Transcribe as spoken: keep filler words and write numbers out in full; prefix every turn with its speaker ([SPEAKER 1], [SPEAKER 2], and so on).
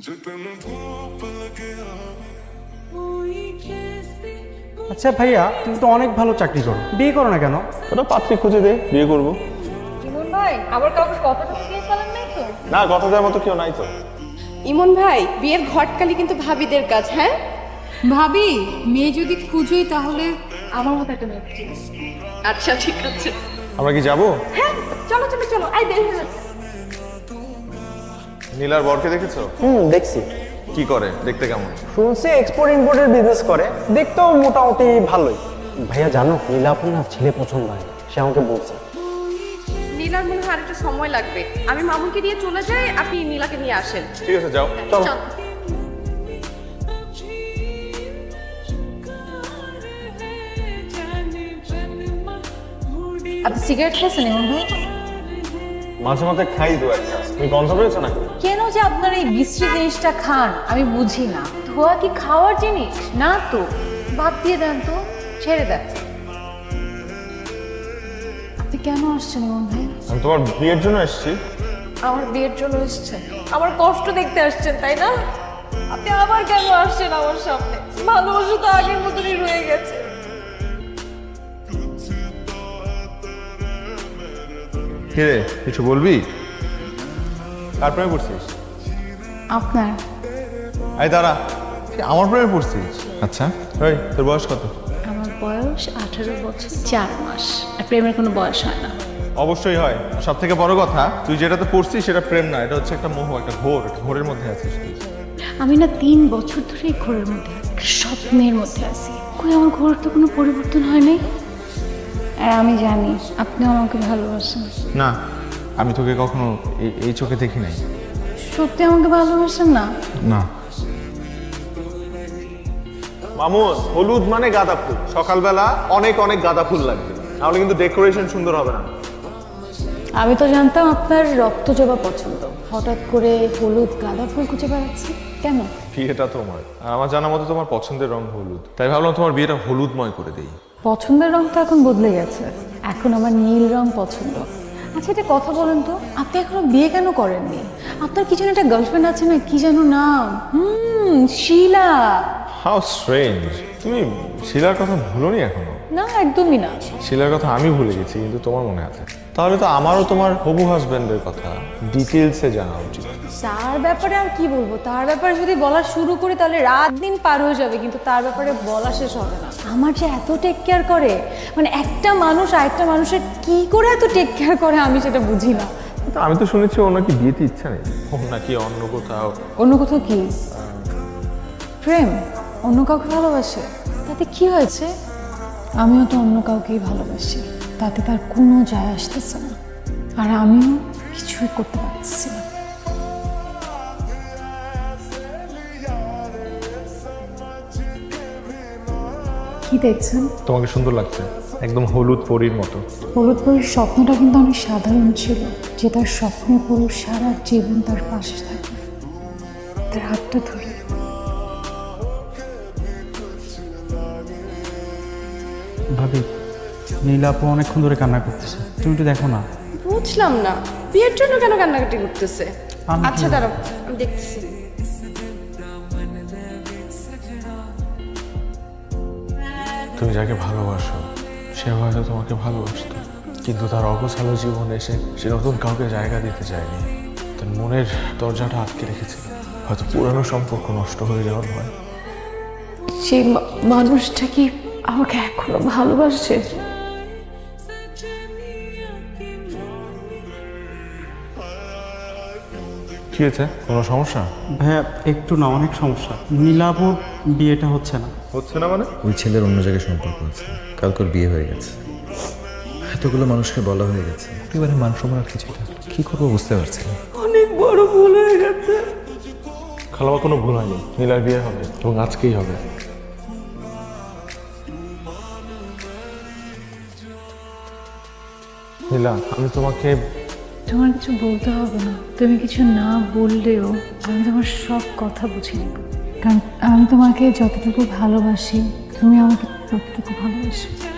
[SPEAKER 1] আচ্ছা ভাইয়া, তুমি তো অনেক ভালো চাকরি করো, বিয়ে করো না কেন?
[SPEAKER 2] ওটা পাত্রী খুঁজে দে, বিয়ে করবো।
[SPEAKER 3] ইমন ভাই, আবার কাউকে কথাটা দিয়ে ফেলেন নাই তো?
[SPEAKER 2] না, কথা দেওয়ার মতো কেউ নাই তো।
[SPEAKER 3] ইমন ভাই, বিয়ের ঘটকালি কিন্তু ভাবিদের কাজ। হ্যাঁ
[SPEAKER 4] ভাবি, মেয়ে যদি খুঁজোই তাহলে
[SPEAKER 3] আমার মতো একটা মেয়ে ঠিক আছে। আচ্ছা ঠিক আছে,
[SPEAKER 2] আমরা কি যাবো?
[SPEAKER 3] হ্যাঁ চলো চলো চলো, আই দেরি হয়ে যাচ্ছে।
[SPEAKER 2] নীলার বরকে দেখেছো?
[SPEAKER 5] হুম, দেখছি।
[SPEAKER 2] কি করে, দেখতে কেমন?
[SPEAKER 5] শুনছি এক্সপোর্ট ইম্পোর্টের বিজনেস করে, দেখতেও মোটামুটি ভালোই। ভাইয়া জানো, নীলাপুর না ছেলে পছন্দ হয়, সে আমাকে বলছে।
[SPEAKER 3] নীলার মনে হয় আরেকটু সময় লাগবে। আমি মামুনকে নিয়ে চলে যাই, আপনি নীলাকে নিয়ে আসেন।
[SPEAKER 2] ঠিক আছে, যাও।
[SPEAKER 5] চলো।
[SPEAKER 3] চল।
[SPEAKER 4] আপনি সিগারেট খেয়েছেন ইমন ভাই?
[SPEAKER 2] মাঝে মাঝে খাই দু একটা। তুমি গন্ধ পেয়েছো নাকি?
[SPEAKER 4] কেন যে আপনার এই বিশ্রী জিনিসটা খান আমি বুঝি না। ধোয়া কি খাওয়ার জিনিস না তো? বাদ দিয়ে দেন তো, ছেড়ে দেন। আপনি কেন আসছেন ইমন ভাই?
[SPEAKER 2] আমি তোমার বিয়ের জন্য এসেছি।
[SPEAKER 3] আমার বিয়ের জন্য এসেছেন? আমার কষ্ট দেখতে আসছেন তাই না? আপনি আবার কেন আসছেন আমার সামনে? ভালোবাসা তো আগের মতনই রয়ে গেছে।
[SPEAKER 2] কিরে, কিছু বলবি? কার প্রেমে পড়ছিস?
[SPEAKER 4] আপনার।
[SPEAKER 2] এই দাঁড়া, আমার প্রেমে পড়ছিস? আচ্ছা, এই তোর বয়স কত?
[SPEAKER 4] আমার বয়স আঠারো বছর চার মাস। আর প্রেমের কোনো বয়স হয় না।
[SPEAKER 2] অবশ্যই হয়। সব থেকে বড় কথা, তুই যেটাতে পড়ছিস সেটা প্রেম না, এটা হচ্ছে একটা মোহ, একটা ঘোর। ঘোরের মধ্যে আছিস তুই।
[SPEAKER 4] আমি না তিন বছর ধরে এই ঘোরের মধ্যে আছি, একটা স্বপ্নের মধ্যে আছি। কই আমার ঘোরের তো কোনো পরিবর্তন হয় নাই। আর আমি জানি আপনিও আমাকে ভালোবাসেন।
[SPEAKER 2] না, আমি তোকে কখনো এই- এই চোখে দেখি নাই।
[SPEAKER 4] সত্যি আমাকে ভালোবাসেন না?
[SPEAKER 2] না। মামুন, হলুদ মানে গাঁদা ফুল। সকালবেলা অনেক অনেক গাঁদা ফুল লাগবে, নাহলে কিন্তু ডেকোরেশন সুন্দর হবে না।
[SPEAKER 4] আমি তো জানতাম আপনার রক্ত জবা পছন্দ, হঠাৎ করে হলুদ গাঁদা ফুল খুঁজে বেড়াচ্ছি কেন?
[SPEAKER 2] বিয়েটা তোমার, আর আমার জানা মতো তোমার পছন্দের রং হলুদ, তাই ভাবলাম তোমার বিয়েটা হলুদময় করে দেই।
[SPEAKER 4] পছন্দের রং তো এখন বদলে গেছে, এখন আমার নীল রং পছন্দ। আচ্ছা এটা কথা বলেন তো, আপনি এখনো বিয়ে কেন করেননি? আপনার কি যেন একটা গার্লফ্রেন্ড আছে না, কি যেন নাম? হুম, শিলা।
[SPEAKER 2] হাউ স্ট্রেঞ্জ, তুমি শিলার কথা ভুলোনি এখনো?
[SPEAKER 4] না একদমই না।
[SPEAKER 2] শিলার কথা আমি ভুলে গেছি, কিন্তু তোমার মনে আছে। তাহলে তো আমারও তোমার হবু হাজবেন্ডের কথা ডিটেলসে জানা উচিত।
[SPEAKER 4] তার ব্যাপারে আর কি বলবো, তার ব্যাপারে যদি বলা শুরু করি তাহলে রাত দিন পার হয়ে যাবে, কিন্তু তার ব্যাপারে বলা শেষ হবে না। আমার যে এত টেক কেয়ার করে, মানে একটা মানুষ আরেকটা মানুষের কি করে এত টেক কেয়ার করে আমি সেটা বুঝি না।
[SPEAKER 2] তো আমি তো শুনেছি ওর নাকি বিয়েতে ইচ্ছা নেই, ও নাকি অন্য কোথাও।
[SPEAKER 4] অন্য কোথাও কি প্রেম, অন্য কাউকে ভালোবাসে, তাতে কি হয়েছে? আমিও তো অন্য কাউকেই ভালোবাসি, তাতে তার কোনো যায় আসতেছে না, আর আমিও কিছুই করতে পারছি না। কি দেখছেন?
[SPEAKER 2] তোমাকে সুন্দর লাগছে, একদম হলুদ পরীর মতো।
[SPEAKER 4] হলুদ পরীর স্বপ্নটা কিন্তু অনেক সাধারণ ছিল, যে তার স্বপ্নের পুরুষ সারা জীবন তার পাশে থাকে, তার হাতটা ধরে।
[SPEAKER 1] ভাবি, নীলাপু অনেকক্ষণ ধরে কান্না করতেছে, তুমি একটু দেখো না।
[SPEAKER 3] বুঝলাম না, বিয়ের জন্য কেন কান্নাকাটি করতেছে?
[SPEAKER 1] আমি
[SPEAKER 3] আচ্ছা
[SPEAKER 1] কি-
[SPEAKER 3] দাঁড়াও, আমি দেখতেছি।
[SPEAKER 2] তুমি যাকে ভালোবাসো সে হয়তো তোমাকে ভালোবাসতো, কিন্তু তার অগোছালো জীবনে এসে সে নতুন কাউকে জায়গা দিতে চায়নি, তার মনের দরজাটা আটকে রেখেছিল। হয়তো পুরানো সম্পর্ক নষ্ট হয়ে যাওয়ার ভয়।
[SPEAKER 4] সেই মা- মানুষটা কি আমাকে এখনো ভালোবাসে?
[SPEAKER 2] কি হয়েছে, কোনো সমস্যা?
[SPEAKER 1] ভাইয়া একটু না, অনেক সমস্যা। নীলাপুর বিয়েটা হচ্ছে না।
[SPEAKER 2] হচ্ছে না মানে?
[SPEAKER 6] ওই ছেলের অন্য জায়গায় সম্পর্ক আছে, কালকের বিয়ে হয়ে গেছে, এতগুলো মানুষকে বলা হয়ে গেছে, এবারে মান সম্মান আর কিছুটা কি করবো বুঝতে পারছি না।
[SPEAKER 3] অনেক বড় ভুল হয়ে গেছে।
[SPEAKER 2] খালামা, কোনো ভুল হয়নি, নীলার বিয়ে হবে এবং আজকেই হবে। নীলা, আমি তোমাকে
[SPEAKER 4] তোমার কিছু বলতে হবে না, তুমি কিছু না বললেও আমি তোমার সব কথা বুঝে নেব, কারণ আমি তোমাকে যতটুকু ভালোবাসি তুমি আমাকে ততটুকু ভালোবাসো।